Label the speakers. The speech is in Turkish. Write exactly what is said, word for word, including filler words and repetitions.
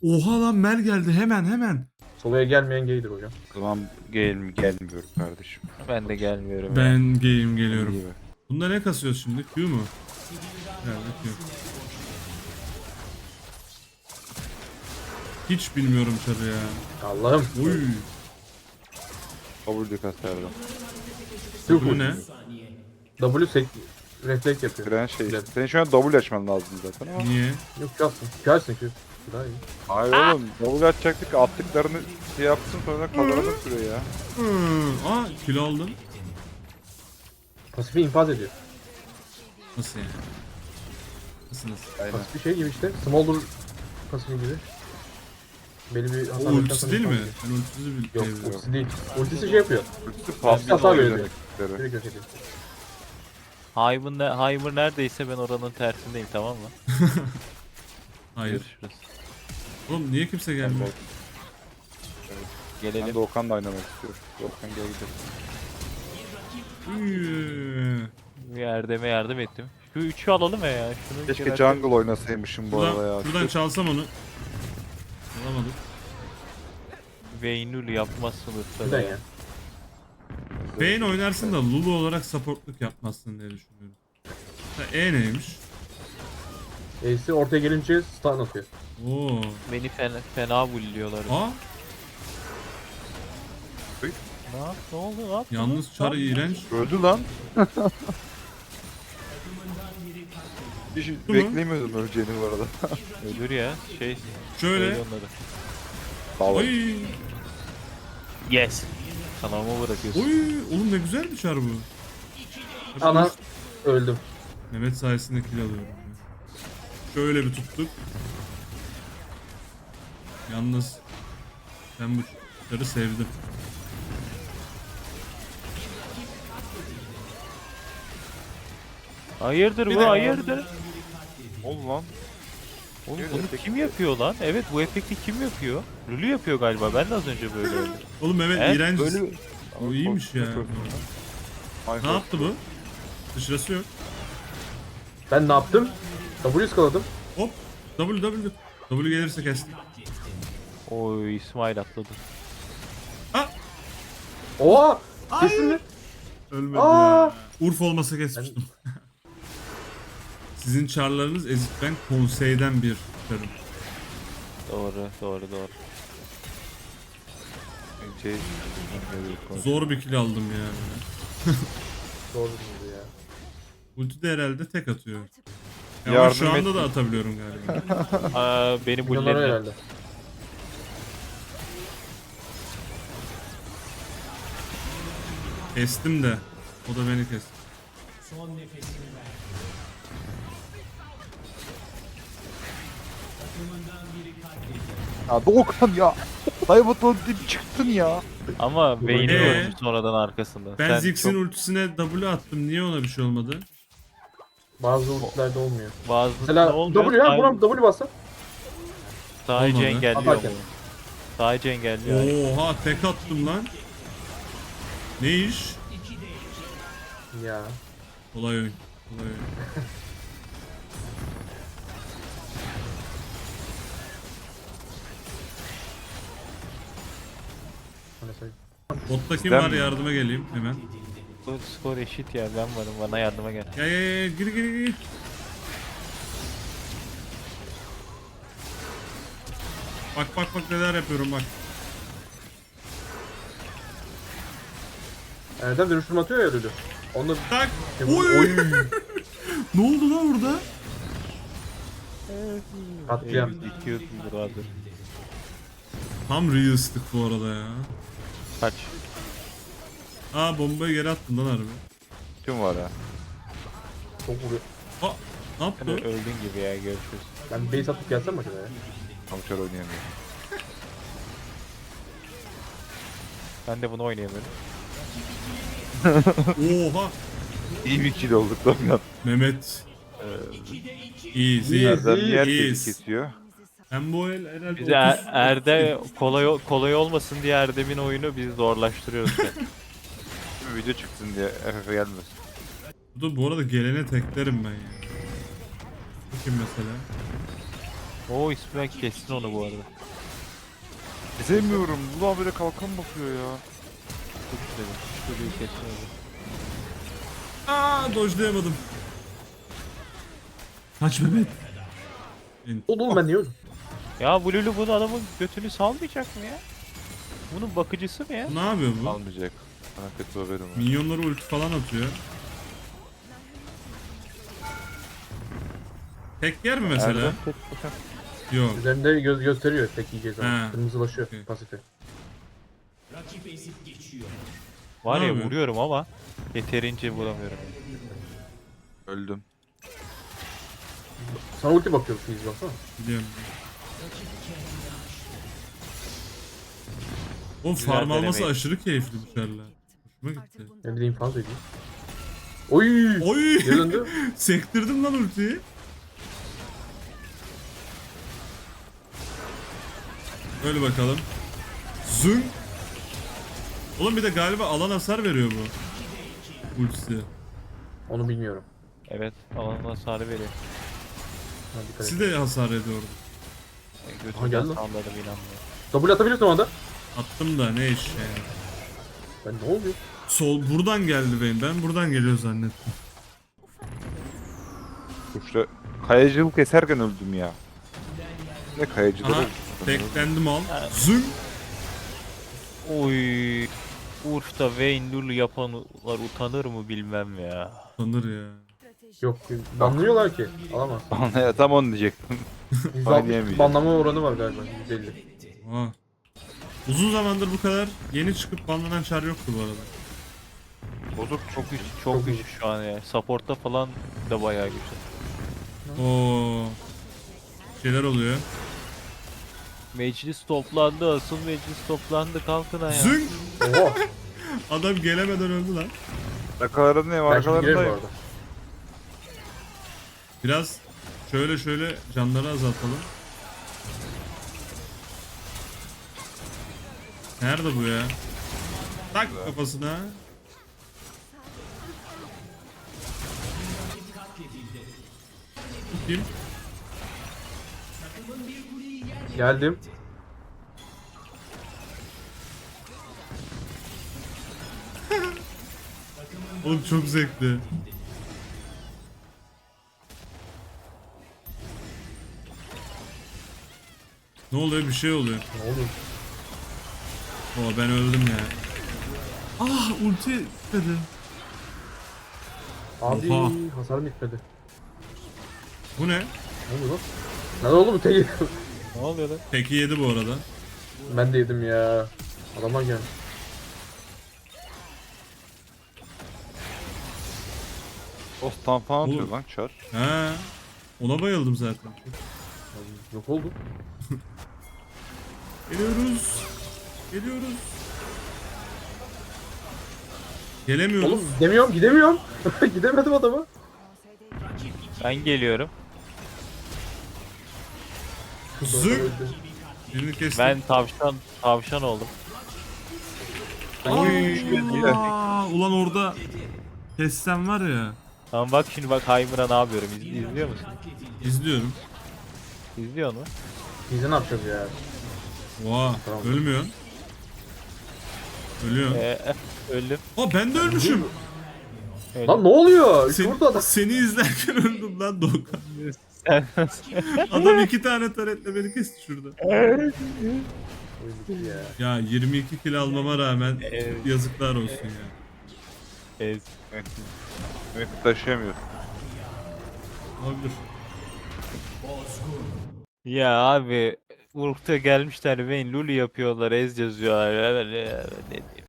Speaker 1: Oha lan Mel geldi hemen hemen.
Speaker 2: Solaya gelmeyen gaydir hocam.
Speaker 3: O zaman gel gelmiyorum kardeşim.
Speaker 4: Ben de gelmiyorum ya.
Speaker 1: Ben game geliyorum.
Speaker 3: İyi be.
Speaker 1: Bunda ne kasıyoruz şimdi? Q mu? Herhalde Q. Hiç bilmiyorum çarı ya.
Speaker 2: Allah'ım.
Speaker 1: Uy.
Speaker 3: W kasardım.
Speaker 1: Bu ne?
Speaker 2: W sek refleks yapıyor.
Speaker 3: Fren şey.
Speaker 2: Evet.
Speaker 3: Senin şu an W açman lazım zaten ama.
Speaker 1: Niye?
Speaker 2: Yok kalsın. Kalsın ki. Daha iyi.
Speaker 3: Hayır oğlum. W açacaktık. Attıklarını şey yapsın sonra kazanalım süre ya.
Speaker 1: Hmm. Aa kilo aldım.
Speaker 2: Pasifi infaz ediyor.
Speaker 1: Nasıl yani? Nasıl nasıl?
Speaker 3: Aynen.
Speaker 2: Pasif bir şey gibi işte. Smolder pasifi gibi. Belli bir
Speaker 1: O
Speaker 2: hasar
Speaker 1: ultisi değil mi?
Speaker 2: veriyor.
Speaker 1: Ben ultisi bil-
Speaker 2: Yok
Speaker 1: biliyorum.
Speaker 2: ultisi değil. Ultisi şey yapıyor.
Speaker 3: Ultisi
Speaker 2: Pasif
Speaker 3: pasif
Speaker 2: hasar
Speaker 3: oyun
Speaker 2: veriyor.
Speaker 3: demekleri.
Speaker 2: Direkt yok ediyor.
Speaker 4: Heimer, ne, Heimer neredeyse ben oranın tersindeyim, tamam mı?
Speaker 1: Hayır.
Speaker 4: Görüşürüz.
Speaker 1: Oğlum niye kimse gelmiyor?
Speaker 3: Ben
Speaker 4: Gelelim.
Speaker 3: Doğukan'la oynamak istiyorum. Doğukan gel gidelim.
Speaker 1: Üy.
Speaker 4: Bir Erdem'e yardım ettim. Şu üçü alalım ya. Şunu
Speaker 3: Keşke
Speaker 4: biraz-
Speaker 3: jungle oynasaymışım bu arada
Speaker 1: Buradan,
Speaker 3: ya.
Speaker 1: buradan çalsam onu. Alamadık.
Speaker 4: Veynul yapmazsınız
Speaker 2: Neden
Speaker 4: tabii.
Speaker 2: ya?
Speaker 1: Vayne oynarsın da Lulu olarak supportluk yapmazsın diye düşünüyorum. Ha, E neymiş?
Speaker 2: Ace'i ortaya gelince stun atıyor.
Speaker 1: Oo.
Speaker 4: Beni fena, fena bulliyorlar.
Speaker 1: Aa,
Speaker 4: Ne yap? Ne oldu? Ne yaptın?
Speaker 1: yalnız çarı iğrenç.
Speaker 3: Öldü lan. Hiç
Speaker 1: mu?
Speaker 3: beklemiyordum öleceğini bu arada.
Speaker 4: Ölür ya. Şey.
Speaker 1: Şöyle.
Speaker 4: söyle onları.
Speaker 3: Sağ ol.
Speaker 1: Oy.
Speaker 4: Yes. Sana mı bırakıyorsun?
Speaker 1: Oy. Oğlum ne güzel bir çar bu.
Speaker 2: Ana öldüm.
Speaker 1: Mehmet sayesinde kill alıyorum. ya. Şöyle bir tuttuk. Yalnız ben bu çarı sevdim.
Speaker 4: Hayırdır
Speaker 1: Bir
Speaker 4: bu
Speaker 1: de-
Speaker 4: hayırdır?
Speaker 3: Ol lan.
Speaker 4: Oğlum
Speaker 3: Bir de
Speaker 4: bunu
Speaker 3: efekt
Speaker 4: kim yapıyor lan? Evet bu efekti kim yapıyor? Lulu yapıyor galiba. Ben de az önce böyle öldüm.
Speaker 1: Oğlum Mehmet
Speaker 4: He?
Speaker 1: iğrenç.
Speaker 4: Böyle
Speaker 1: Bu iyiymiş ya.
Speaker 3: Ay,
Speaker 1: Ne yaptı bu? Dışarısı yok.
Speaker 2: Ben ne yaptım? W skaladım.
Speaker 1: Hop. W W. W gelirse kestik.
Speaker 4: Oy İsmail atladı.
Speaker 2: Oha! Kesin mi?
Speaker 1: Ölmedi
Speaker 2: Aa!
Speaker 1: ya. Urf olmasa kesmiştim. Sizin çarlarınız ezik, ben konseyden bir çarım.
Speaker 4: Doğru doğru doğru.
Speaker 3: Şey,
Speaker 1: Zor bir kill aldım ya.
Speaker 2: Doğru değil ya.
Speaker 1: Ulti de herhalde tek atıyor. Ya ama
Speaker 3: Yardım
Speaker 1: şu anda
Speaker 3: et.
Speaker 1: da atabiliyorum galiba.
Speaker 4: Aa, beni
Speaker 2: Milyonları
Speaker 4: bulledi.
Speaker 2: herhalde.
Speaker 1: Kestim de. O da beni kesti.
Speaker 3: Ya Doğukan ya. Dayıbatın dip çıktın ya.
Speaker 4: Ama Vayne'i
Speaker 1: Ee?
Speaker 4: gördüm sonradan arkasında.
Speaker 1: Ben
Speaker 4: Sen
Speaker 1: Ziggs'in
Speaker 4: çok
Speaker 1: ultisine W attım. Niye ona bir şey olmadı?
Speaker 2: Bazı ultilerde olmuyor.
Speaker 4: bazı
Speaker 2: Mesela W ya buna W bassa.
Speaker 4: Sadece
Speaker 1: Olmadı.
Speaker 4: engelliyor
Speaker 2: Atarken.
Speaker 4: bunu. Sadece engelliyor.
Speaker 1: Oha tek attım lan. Ne iş?
Speaker 2: Ya.
Speaker 1: Olay oyun. Olay oyun.
Speaker 2: Mesela
Speaker 1: Botta kim
Speaker 3: Bizden
Speaker 1: var
Speaker 3: mi?
Speaker 1: yardıma geleyim hemen.
Speaker 4: Bu skor eşit ya, ben varım, bana yardıma gel.
Speaker 1: Ya ya ya gir gir gir. Bak bak bak neler yapıyorum bak.
Speaker 2: Erdem dönüştürme atıyor ya ödülü. Onu
Speaker 1: Tak.
Speaker 2: Oy.
Speaker 1: Oy. Ne oldu lan orada?
Speaker 2: katliam.
Speaker 4: Dikiyorsun brother.
Speaker 1: Tam realistik bu arada ya.
Speaker 4: Kaç.
Speaker 1: Aa bombayı geri attın lan harbi.
Speaker 3: Tüm var ya.
Speaker 2: Çok vuruyor.
Speaker 1: Aa ne
Speaker 4: Sen
Speaker 1: yaptı?
Speaker 4: öldün gibi ya, görüşürüz.
Speaker 2: Ben base atıp gelsem mi acaba ya?
Speaker 3: Kamışar oynayamıyor.
Speaker 4: Ben de bunu oynayamıyorum.
Speaker 1: Oha.
Speaker 3: İyi bir kill olduk Doğukan.
Speaker 1: Mehmet. Easy.
Speaker 2: İyi.
Speaker 3: Erdem yer
Speaker 1: iyiyiz.
Speaker 3: kesiyor.
Speaker 1: Ben bu el herhalde
Speaker 4: Bize Er-
Speaker 1: otuz
Speaker 4: Erde kolay kolay olmasın diye Erdem'in oyunu biz zorlaştırıyoruz. yani.
Speaker 3: Bir video çıksın diye F F gelmesin.
Speaker 1: Burada bu arada gelene teklerim ben ya. Bu kim mesela?
Speaker 4: Oo İsmail kessin onu bu arada.
Speaker 3: Sevmiyorum. Ulan böyle kalkan bakıyor ya.
Speaker 4: Çok güzel. Şu çocuğu kessin onu.
Speaker 1: Aa dojlayamadım. Kaç Mehmet. En-
Speaker 2: Oğlum ben niye öldüm?
Speaker 4: Ya bu Lulu bunu adamın götünü salmayacak mı ya? Bunun bakıcısı mı ya?
Speaker 1: Ne yapıyor bu?
Speaker 3: Almayacak. Sana kötü haberim var.
Speaker 1: Minyonları ulti falan atıyor. Tek yer mi mesela?
Speaker 3: Erdem tek bakın.
Speaker 1: Yok.
Speaker 2: Üzerinde gö gösteriyor tek yiyeceğiz
Speaker 1: He.
Speaker 2: ama. Kırmızılaşıyor
Speaker 1: Okey.
Speaker 2: pasifi.
Speaker 4: Var
Speaker 1: Ne
Speaker 4: ya
Speaker 1: yapıyor?
Speaker 4: vuruyorum ama yeterince vuramıyorum.
Speaker 3: Öldüm.
Speaker 2: Sana ulti bakıyor Fizz baksana.
Speaker 1: Biliyorum. O
Speaker 4: Güzel
Speaker 1: farm alması
Speaker 4: denemeyin.
Speaker 1: aşırı keyifli bu şarla. Hoşuma gitti.
Speaker 2: Ne bileyim fazla edeyim. Oy!
Speaker 1: Oy!
Speaker 2: Geri döndü.
Speaker 1: Sektirdim lan ultiyi. Öyle bakalım. Zın. Oğlum bir de galiba alan hasar veriyor bu. Ultisi.
Speaker 2: Onu bilmiyorum.
Speaker 4: Evet alan hasarı veriyor.
Speaker 2: Ha, dikkat et.
Speaker 1: Siz de hasar ediyordu.
Speaker 4: Ben
Speaker 2: Aha,
Speaker 4: götümden
Speaker 2: geldi lan.
Speaker 4: salladım inanmıyorum.
Speaker 2: W atabiliyorsun o anda.
Speaker 1: Attım da ne iş yani.
Speaker 2: Ben ne oluyor?
Speaker 1: Sol buradan geldi benim. Ben buradan geliyor zannettim.
Speaker 3: İşte kayacılık eserken öldüm ya. Ne kayacılık?
Speaker 1: Aha teklendim al. Zın.
Speaker 4: Oy. Urf'ta Vayne Lulu yapanlar utanır mı bilmem ya.
Speaker 1: Sanır ya.
Speaker 2: Yok banlıyorlar ki. Alamaz.
Speaker 3: Ya tam onu diyecektim.
Speaker 2: yüz
Speaker 3: Oynayamıyor.
Speaker 2: altmış banlama oranı var galiba. yüz elli.
Speaker 1: Aa. Uzun zamandır bu kadar yeni çıkıp banlanan çar yoktu bu arada.
Speaker 4: Bozuk çok güçlü, çok
Speaker 2: Çok
Speaker 4: güçlü şu an ya. Support'ta falan da bayağı güçlü.
Speaker 1: Oo. Şeyler oluyor.
Speaker 4: Meclis toplandı, asıl meclis toplandı, kalkın ayağa.
Speaker 1: Zın.
Speaker 2: Oha.
Speaker 1: Adam gelemeden öldü lan.
Speaker 3: Arkalarındayım
Speaker 2: Ben şimdi girerim bu
Speaker 3: arkalarındayım.
Speaker 2: arada.
Speaker 1: Biraz şöyle şöyle canları azaltalım. Nerede bu ya? Tak kafasına. Kim?
Speaker 2: Geldim.
Speaker 1: Oğlum çok zevkli. Ne oluyor? Bir şey oluyor.
Speaker 2: Ne oluyor?
Speaker 1: Oo ben öldüm ya. Ah ulti dedi.
Speaker 2: Abi
Speaker 1: Oha.
Speaker 2: hasarım bitmedi.
Speaker 1: Bu ne?
Speaker 2: Ne oluyor lan? Ne oldu bu tek?
Speaker 4: Ne oluyor lan?
Speaker 1: Peki yedi bu arada.
Speaker 2: Ben de yedim ya. Adamlar gelmiş.
Speaker 3: O stun falan atıyor
Speaker 1: Oğlum.
Speaker 3: lan çar.
Speaker 1: He. Ona bayıldım zaten.
Speaker 2: Abi, yok oldu.
Speaker 1: Geliyoruz. Geliyoruz. Gelemiyoruz.
Speaker 2: Oğlum gidemiyorum gidemiyorum. Gidemedim adama.
Speaker 4: Ben geliyorum.
Speaker 1: Zık. Birini kestim.
Speaker 4: Ben tavşan tavşan oldum.
Speaker 1: Oy. Aa, ulan orada kessem var ya.
Speaker 4: Tamam bak şimdi bak Heimer'a ne yapıyorum. İz, izliyor musun?
Speaker 1: İzliyorum.
Speaker 4: İzliyor mu?
Speaker 2: Biz ne yapacağız ya?
Speaker 1: Oha.
Speaker 2: Tamam.
Speaker 1: Ölmüyorsun. Ölüyorsun.
Speaker 4: Ee, öldüm.
Speaker 1: Aa ben de ölmüşüm.
Speaker 4: öldüm.
Speaker 2: Lan ne oluyor?
Speaker 1: Seni,
Speaker 2: Şurada adam.
Speaker 1: seni izlerken öldüm lan Doğukan.
Speaker 4: Sen
Speaker 1: Adam iki tane taretle beni kesti şurada.
Speaker 2: Oyun bitti ya.
Speaker 1: Ya yirmi iki kill almama rağmen
Speaker 4: Evet.
Speaker 1: yazıklar olsun ya.
Speaker 4: Ez.
Speaker 3: Evet taşıyamıyor.
Speaker 1: Olabilir.
Speaker 4: Ya abi Urf'ta gelmişler Vayne Lulu yapıyorlar, Ez yazıyorlar. Ne diyeyim.